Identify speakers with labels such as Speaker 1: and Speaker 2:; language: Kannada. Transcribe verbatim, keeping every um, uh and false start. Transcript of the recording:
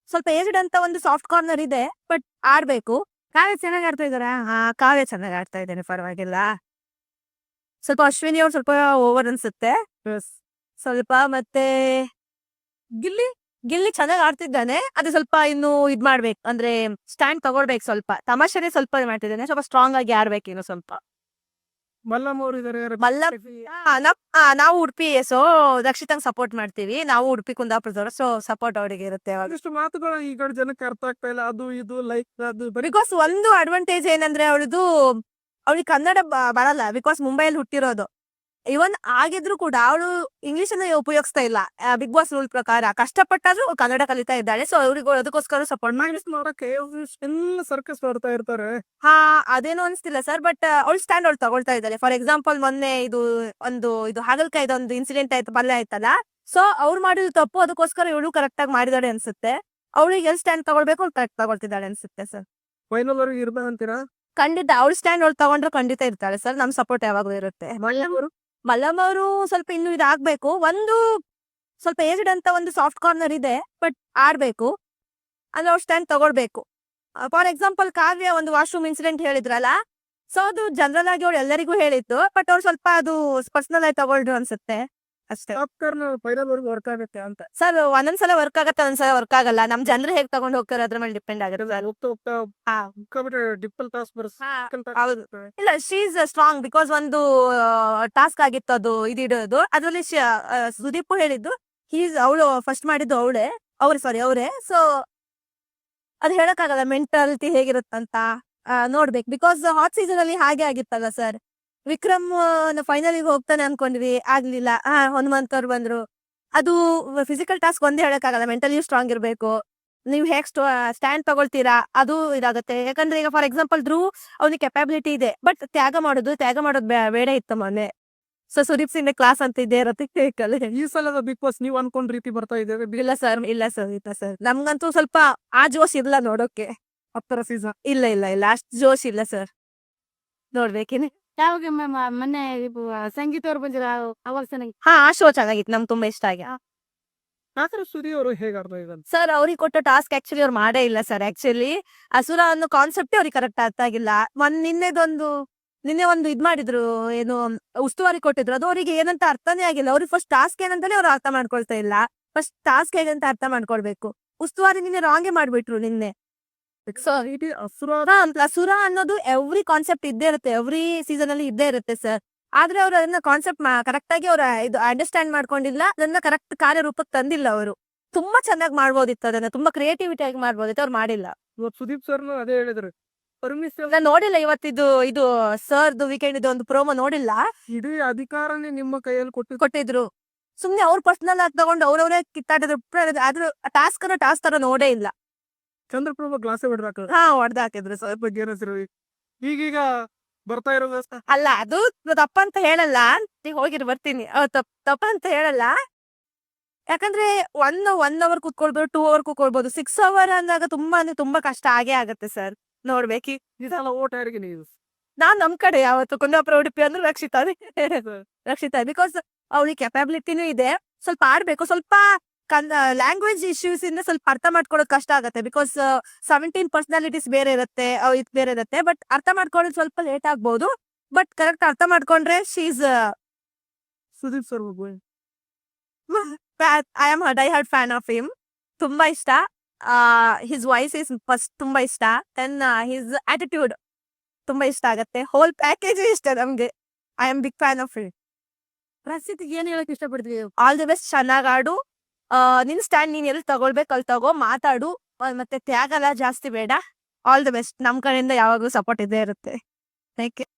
Speaker 1: ಸ್ವಲ್ಪ ಏಜ್ಡ್ ಅಂತ ಒಂದು ಸಾಫ್ಟ್ ಕಾರ್ನರ್ ಇದೆ, ಬಟ್ ಆಡ್ಬೇಕು. ಕಾವ್ಯ ಚೆನ್ನಾಗಿ ಆಡ್ತಾ ಇದಾರಾ? ಹಾ, ಕಾವ್ಯ ಚೆನ್ನಾಗಿ ಆಡ್ತಾ ಇದ್ದೇನೆ, ಪರವಾಗಿಲ್ಲ. ಸ್ವಲ್ಪ ಅಶ್ವಿನಿ ಅವ್ರು ಸ್ವಲ್ಪ ಓವರ್ ಅನ್ಸುತ್ತೆ. ಸ್ವಲ್ಪ ಮತ್ತೆ ಗಿಲ್ಲಿ ಗಿಲ್ಲಿ ಚೆನ್ನಾಗಿ ಆಡ್ತಿದ್ದಾನೆ. ಅದು ಸ್ವಲ್ಪ ಇನ್ನು ಇದ್ ಮಾಡ್ಬೇಕು, ಅಂದ್ರೆ ಸ್ಟ್ಯಾಂಡ್ ತಗೊಳ್ಬೇಕು. ಸ್ವಲ್ಪ ತಮಾಷೆನೆ ಸ್ವಲ್ಪ ಮಾಡ್ತಿದ್ದಾನೆ, ಸ್ವಲ್ಪ ಸ್ಟ್ರಾಂಗ್ ಆಗಿ ಆಡ್ಬೇಕು ಇನ್ನು ಸ್ವಲ್ಪ.
Speaker 2: ಮಲ್ಲಮ್ಮ ಅವ್ರು ಇದಾರೆ.
Speaker 1: ಮಲ್ಲಮ್ ಆ, ನಮ್- ಆ, ನಾವು ಉಡುಪಿ, ಸೊ ರಕ್ಷಿತಂಗ್ ಸಪೋರ್ಟ್ ಮಾಡ್ತೀವಿ. ನಾವು ಉಡುಪಿ ಕುಂದಾಪುರದವರು, ಸೊ ಸಪೋರ್ಟ್ ಅವರಿಗೆ ಇರುತ್ತೆ.
Speaker 2: ಇಷ್ಟು ಮಾತುಗಳು ಈ ಕಡೆ ಜನಕ್ಕೆ ಅರ್ಥ ಆಗ್ತಾ ಇಲ್ಲ. ಅದು ಇದು ಲೈಕ್ ಅದು ಬರೀ
Speaker 1: ಬಿಕಾಸ್ ಒಂದು ಅಡ್ವಾಂಟೇಜ್ ಏನಂದ್ರೆ ಅವಳದು ಅವಳಿಗೆ ಕನ್ನಡ ಬ- ಬರಲ್ಲ, ಬಿಕಾಸ್ ಮುಂಬೈಲಿ ಹುಟ್ಟಿರೋದು. ಇವನ್ ಆಗಿದ್ರು ಕೂಡ ಅವಳು ಇಂಗ್ಲಿಷ್ ಅನ್ನ ಉಪಯೋಗಿಸ್ತಾ ಇಲ್ಲ. ಬಿಗ್ ಬಾಸ್ ರೂಲ್ ಪ್ರಕಾರ ಕಷ್ಟಪಟ್ಟಾದ್ರೂ ಕನ್ನಡ ಕಲಿತಾ ಇದ್ದಾಳೆ. ಸೊ ಅವ್ರಿಗೆ ಅದಕ್ಕೋಸ್ಕರ ಸಪೋರ್ಟ್ ಮಾಡಿ.
Speaker 2: ನೋಡಕ್ಕೆ ಎಲ್ಲ ಸರ್ಕಸ್ ಬರ್ತಾ ಇರ್ತಾರೆ.
Speaker 1: ಹಾ, ಅದೇನು ಅನ್ಸ್ತಿಲ್ಲ ಸರ್, ಬಟ್ ಅವಳು ಸ್ಟ್ಯಾಂಡ್ ಅವಳು ತಗೊಳ್ತಾ ಇದ್ದಾರೆ. ಫಾರ್ ಎಕ್ಸಾಂಪಲ್ ಮೊನ್ನೆ ಇದು ಒಂದು ಇದು ಹಾಗಲ್ಕಾಯ್ದು ಒಂದು ಇನ್ಸಿಡೆಂಟ್ ಆಯ್ತು, ಪಲ್ಯ ಆಯ್ತಲ್ಲ. ಸೊ ಅವ್ರು ಮಾಡಿದ ತಪ್ಪು, ಅದಕ್ಕೋಸ್ಕರ ಇವಳು ಕರೆಕ್ಟ್ ಆಗಿ ಮಾಡಿದಾಳೆ ಅನ್ಸುತ್ತೆ. ಅವಳಿಗೆ ಎಲ್ಲಿ ಸ್ಟ್ಯಾಂಡ್ ತಗೊಳ್ಬೇಕು ಅವ್ಳು ಕರೆಕ್ಟ್ ತಗೊಳ್ತಿದ್ದಾಳೆ ಅನ್ಸುತ್ತೆ ಸರ್.
Speaker 2: ಫೈನಲ್ ಅವ್ರಿಗೆ ಇರ್ಬೇಕಂತೀರಾ?
Speaker 1: ಖಂಡಿತ ಅವಳು ಸ್ಟ್ಯಾಂಡ್ ಅವಳು ತಗೊಂಡ್ರೆ ಖಂಡಿತ ಇರ್ತಾಳೆ ಸರ್. ನಮ್ ಸಪೋರ್ಟ್ ಯಾವಾಗ್ಲೂ ಇರುತ್ತೆ.
Speaker 2: ಮಲ್ಲಮ್ಮರು
Speaker 1: ಮಲ್ಲಮ್ಮ ಅವರು ಸ್ವಲ್ಪ ಇನ್ನು ಇದಾಗ್ಬೇಕು. ಒಂದು ಸ್ವಲ್ಪ ಏಜ್ಡ್ ಅಂತ ಒಂದು ಸಾಫ್ಟ್ ಕಾರ್ನರ್ ಇದೆ, ಬಟ್ ಆಡ್ಬೇಕು. ಅಂದ್ರೆ ಅವ್ರು ಸ್ಟ್ಯಾಂಡ್ ತಗೊಳ್ಬೇಕು. ಫಾರ್ ಎಕ್ಸಾಂಪಲ್ ಕಾವ್ಯ ಒಂದು ವಾಶ್ರೂಮ್ ಇನ್ಸಿಡೆಂಟ್ ಹೇಳಿದ್ರಲ್ಲ, ಸೊ ಅದು ಜನರಲ್ ಆಗಿ ಅವ್ರು ಎಲ್ಲರಿಗೂ ಹೇಳಿತ್ತು, ಬಟ್ ಅವ್ರು ಸ್ವಲ್ಪ ಅದು ಪರ್ಸನಲ್ ಆಗಿ ತಗೊಳ್ರು ಅನ್ಸುತ್ತೆ ಅಷ್ಟೇ.
Speaker 2: ಫೈನಲ್ ಅವ್ರಿಗೆ ವರ್ಕ್ ಆಗುತ್ತೆ ಅಂತ.
Speaker 1: ಸರ್ ಒಂದೊಂದ್ಸಲ ವರ್ಕ್ ಆಗತ್ತೆ, ಒಂದ್ಸಲ ವರ್ಕ್ ಆಗಲ್ಲ. ನಮ್ ಜನರು ಹೇಗ್ ತಗೊಂಡ್ ಹೋಗ್ತಾರೆ ಅದ್ರ ಮೇಲೆ ಡಿಪೆಂಡ್ ಆಗುತ್ತೆ ಸರ್.
Speaker 2: ಹೋಗ್ತಾ ಹೋಗ್ತಾ
Speaker 1: ಹಾ.
Speaker 2: ಸಿಕ್ಕಾಬಿಟ್ಟೆ ಡಿಪ್ಪಲ್ ಟಾಸ್ ಬರ್ಸ್
Speaker 1: ಹಾ, ಹೌದು. ಇಲ್ಲ, ಶೀ ಇಸ್ ಸ್ಟ್ರಾಂಗ್, ಬಿಕಾಸ್ ಒಂದು ಟಾಸ್ಕ್ ಆಗಿತ್ತು ಅದು ಇದಿಡೋದು. ಅದ್ರಲ್ಲಿ ಸುದೀಪ್ ಹೇಳಿದ್ದು ಹೀಸ್ ಅವಳು ಫಸ್ಟ್ ಮಾಡಿದ್ದು ಅವಳೇ ಅವ್ರೆ ಸಾರಿ ಅವರೇ. ಸೊ ಅದ್ ಹೇಳಕ್ಕಾಗಲ್ಲ ಮೆಂಟಾಲಿಟಿ ಹೇಗಿರುತ್ತಂತ. ಆ, ನೋಡ್ಬೇಕು, ಬಿಕಾಸ್ ಹಾಟ್ ಸೀಸನ್ ಅಲ್ಲಿ ಹಾಗೆ ಆಗಿತ್ತಲ್ಲ ಸರ್. ವಿಕ್ರಮ್ ಫೈನಲ್ ಹೋಗ್ತಾನೆ ಅನ್ಕೊಂಡ್ವಿ, ಆಗ್ಲಿಲ್ಲ. ಹಾ, ಹನುಮಂತ್ ಅವ್ರು ಬಂದ್ರು. ಅದು ಫಿಸಿಕಲ್ ಟಾಸ್ಕ್ ಒಂದೇ ಹೇಳಕ್ಕಾಗಲ್ಲ, mentally ಸ್ಟ್ರಾಂಗ್ ಇರ್ಬೇಕು. ನೀವ್ ಹೇಗ್ ಸ್ಟ್ಯಾಂಡ್ ತಗೊಳ್ತೀರಾ ಅದು ಇದಾಗುತ್ತೆ. ಯಾಕಂದ್ರೆ ಈಗ ಫಾರ್ ಎಕ್ಸಾಂಪಲ್ ಧ್ರುವ್ ಅವ್ನಿಗೆ ಕೆಪಾಬಿಲಿಟಿ ಇದೆ, ಬಟ್ ತ್ಯಾಗ ಮಾಡೋದು ತ್ಯಾಗ ಮಾಡೋದು ಬೇ- ಬೇಡ ಇತ್ತು ಮೊನ್ನೆ. ಸೊ ಸುದೀಪ್ ಸಿಂಗ್ ಕ್ಲಾಸ್ ಅಂತ ಇದ್ದೇ ಇರತ್ತೆ.
Speaker 2: ಈ ಸಲದ ಬಿಗ್ ಬಾಸ್ ನೀವ್ ಅನ್ಕೊಂಡ್ ರೀತಿ ಬರ್ತಾ ಇದ್ದೇವೆ.
Speaker 1: ಇಲ್ಲ ಸರ್, ಇಲ್ಲ ಸರ್, ಇಲ್ಲ ಸರ್. ನಮ್ಗಂತೂ ಸ್ವಲ್ಪ ಆ ಜೋಶ್ ಇಲ್ಲ ನೋಡೋಕೆ.
Speaker 2: ಹತ್ತರ ಸೀಸನ್
Speaker 1: ಇಲ್ಲ ಇಲ್ಲ ಇಲ್ಲ ಅಷ್ಟ್ ಜೋಶ್ ಇಲ್ಲ ಸರ್. ನೋಡ್ಬೇಕೇನೆ.
Speaker 3: ಯಾವಾಗ ಮ್ಯಾಮ್ ಮೊನ್ನೆ ಇದು ಸಂಗೀತ ಅವ್ರು ಬಂದಿರ ಅವಾಗ ಚೆನ್ನಾಗಿ
Speaker 1: ಹಾ, ಆ ಶೋ ಚೆನ್ನಾಗಿತ್ತು, ನಮ್ಗೆ ತುಂಬಾ ಇಷ್ಟ ಆಗಿ.
Speaker 2: ಆತರ ಸುದಿ ಅವರು ಹೇಗ್ ಆಡ್ತಾ ಇದ್ದಾರೆ?
Speaker 1: ಸರ್ ಅವ್ರಿಗೆ ಕೊಟ್ಟ ಟಾಸ್ಕ್ ಆಕ್ಚುಲಿ ಅವ್ರು ಮಾಡೇ ಇಲ್ಲ ಸರ್. ಆಕ್ಚುಲಿ ಅಸುರ ಅನ್ನೋ ಕಾನ್ಸೆಪ್ಟ್ ಅವ್ರಿಗೆ ಕರೆಕ್ಟ್ ಅರ್ಥ ಆಗಿಲ್ಲ. ಒಂದ್ ನಿನ್ನೆದೊಂದು ನಿನ್ನೆ ಒಂದು ಇದ್ ಮಾಡಿದ್ರು, ಏನು ಉಸ್ತುವಾರಿ ಕೊಟ್ಟಿದ್ರು, ಅದು ಅವರಿಗೆ ಏನಂತ ಅರ್ಥನೇ ಆಗಿಲ್ಲ. ಅವ್ರಿಗೆ ಫಸ್ಟ್ ಟಾಸ್ಕ್ ಏನಂತಾನೆ ಅವ್ರು ಅರ್ಥ ಮಾಡ್ಕೊಳ್ತಾ ಇಲ್ಲ. ಫಸ್ಟ್ ಟಾಸ್ಕ್ ಹೇಗಂತ ಅರ್ಥ ಮಾಡ್ಕೊಳ್ಬೇಕು. ಉಸ್ತುವಾರಿ ನಿನ್ನೆ ರಾಂಗೆ ಮಾಡ್ಬಿಟ್ರು ನಿನ್ನೆ. ಸೊ
Speaker 2: ಇಡೀ ಅಸುರ
Speaker 1: ಅಸುರ ಅನ್ನೋದು ಎವ್ರಿ ಕಾನ್ಸೆಪ್ಟ್ ಇದ್ದೇ ಇರುತ್ತೆ, ಎವ್ರಿ ಸೀಸನ್ ಅಲ್ಲಿ ಇದ್ದೇ ಇರುತ್ತೆ ಸರ್. ಆದ್ರೆ ಅವ್ರು ಅದನ್ನ ಕಾನ್ಸೆಪ್ಟ್ ಕರೆಕ್ಟ್ ಆಗಿ ಅವ್ರ ಇದು ಅಂಡರ್ಸ್ಟ್ಯಾಂಡ್ ಮಾಡ್ಕೊಂಡಿಲ್ಲ, ಅದನ್ನ ಕರೆಕ್ಟ್ ಕಾರ್ಯರೂಪಕ್ಕೆ ತಂದಿಲ್ಲ ಅವರು. ತುಂಬಾ ಚೆನ್ನಾಗಿ ಮಾಡ್ಬೋದಿತ್ತು, ಅದನ್ನ ತುಂಬಾ ಕ್ರಿಯೇಟಿವಿಟಿ ಆಗಿ ಮಾಡ್ಬೋದಿತ್ತು, ಅವ್ರು ಮಾಡಿಲ್ಲ.
Speaker 2: ಇವತ್ತು ಸುದೀಪ್ ಸರ್ ಅದೇ ಹೇಳಿದ್ರು. ಪರ್ಮಿಷನ್
Speaker 1: ನಾನ್ ನೋಡಿಲ್ಲ ಇವತ್ತಿದು ಇದು ಸರ್ದು ವೀಕೆಂಡ್ ಇದು ಒಂದು ಪ್ರೋಮೋ ನೋಡಿಲ್ಲ.
Speaker 2: ಇಡೀ ಅಧಿಕಾರನೇ ನಿಮ್ಮ ಕೈಯಲ್ಲಿ ಕೊಟ್ಟು
Speaker 1: ಕೊಟ್ಟಿದ್ರು ಸುಮ್ನೆ ಅವ್ರ ಪರ್ಸನಲ್ ಆಗಿ ತಗೊಂಡು ಅವ್ರವ್ರೇ ಕಿತ್ತಾಡಿದ್ರು. ಆದ್ರೂ ಟಾಸ್ಕ್ ಅನ್ನ ಟಾಸ್ಕ್ ತರ ನೋಡೇ ಇಲ್ಲ.
Speaker 2: ಚಂದ್ರಪ್ರಭಾ ಗ್ಲಾಸೇ ಬಿಡ್ರಾಕ
Speaker 1: ಹಾ, ಹೊಡೆದ ಹಾಕಿದ್ರು ಸರ್.
Speaker 2: ಬಗ್ಗೆ ಏನಂತೀರ? ಈಗೀಗ ಬರ್ತಾ ಇರೋ
Speaker 1: ಅಲ್ಲ, ಅದು ತಪ್ಪಂತ ಹೇಳಲ್ಲ. ಈಗ ಹೋಗಿರ್ ಬರ್ತೀನಿ, ತಪ್ಪ ತಪ್ಪಂತ ಹೇಳಲ್ಲ. ಯಾಕಂದ್ರೆ ಒನ್ ಒನ್ ಅವರ್ ಕುತ್ಕೊಳ್ಬೋದು, ಟೂ ಅವರ್ ಕುತ್ಕೊಳ್ಬೋದು. ಸಿಕ್ಸ್ ಅವರ್ ಅಂದಾಗ ತುಂಬಾ ಅಂದ್ರೆ ತುಂಬಾ ಕಷ್ಟ ಆಗೇ ಆಗತ್ತೆ ಸರ್. ನೋಡ್ಬೇಕು.
Speaker 2: ಇದೆಲ್ಲ ಓಟ್ ಯಾರಿಗೆ ನೀವು?
Speaker 1: ನಾನ್ ನಮ್ ಕಡೆ ಯಾವತ್ತು ಕುಂದಾಪುರ ಉಡುಪಿ ಅಂದ್ರೆ ರಕ್ಷಿತಾ ರಕ್ಷಿತಾ ಬಿಕಾಸ್ ಅವಳಿಗೆ ಕೆಪಾಬಿಲಿಟಿನೂ ಇದೆ. ಸ್ವಲ್ಪ ಆಡ್ಬೇಕು. ಸ್ವಲ್ಪ ಲ್ಯಾಂಗ್ವೇಜ್ ಇಶ್ಯೂಸ್ ಇಂದ ಸ್ವಲ್ಪ ಅರ್ಥ ಮಾಡ್ಕೊಳ್ಳೋದು ಕಷ್ಟ ಆಗತ್ತೆ. ಬಿಕಾಸ್ ಸೆವೆಂಟೀನ್ ಪರ್ಸನಾಲಿಟೀಸ್ ಬೇರೆ ಇರುತ್ತೆ, ಇದು ಬೇರೆ ಇರುತ್ತೆ. ಬಟ್ ಅರ್ಥ ಮಾಡ್ಕೊಳ್ಳೋದು ಸ್ವಲ್ಪ ಲೇಟ್ ಆಗ್ಬೋದು. ಬಟ್ ಕರೆಕ್ಟ್ ಅರ್ಥ ಮಾಡ್ಕೊಂಡ್ರೆ she's
Speaker 2: Sudeep sir
Speaker 1: I am die hard fan of him. ತುಂಬಾ ಇಷ್ಟ. ಹಿಸ್ ವಾಯ್ಸ್ ಇಸ್ ಫಸ್ಟ್ ತುಂಬಾ ಇಷ್ಟ. ದೆನ್ ಹಿಸ್ ಆಟಿಟ್ಯೂಡ್ ತುಂಬಾ ಇಷ್ಟ ಆಗತ್ತೆ. ಹೋಲ್ ಪ್ಯಾಕೇಜ್ ಇಷ್ಟ ನಮ್ಗೆ. I am big fan of him.
Speaker 3: ಪ್ರಸಿದ್ಧಿಗೆ ಏನ್ ಹೇಳಕ್ ಇಷ್ಟಪಡ್ತೀವಿ?
Speaker 1: ಆಲ್ ದಿ ಬೆಸ್ಟ್, ಚೆನ್ನಾಗ್ ಆಡು. ಆ, ನಿನ್ ಸ್ಟ್ಯಾಂಡ್ ನೀನ್ ಎಲ್ಲಿ ತಗೊಳ್ಬೇಕು ಅಲ್ಲಿ ತಗೋ, ಮಾತಾಡು. ಆ, ಮತ್ತೆ ತ್ಯಾಗ ಎಲ್ಲ ಜಾಸ್ತಿ ಬೇಡ. All the best. ನಮ್ ಕಡೆಯಿಂದ ಯಾವಾಗ್ಲೂ ಸಪೋರ್ಟ್ ಇದ್ದೇ ಇರುತ್ತೆ. Thank you.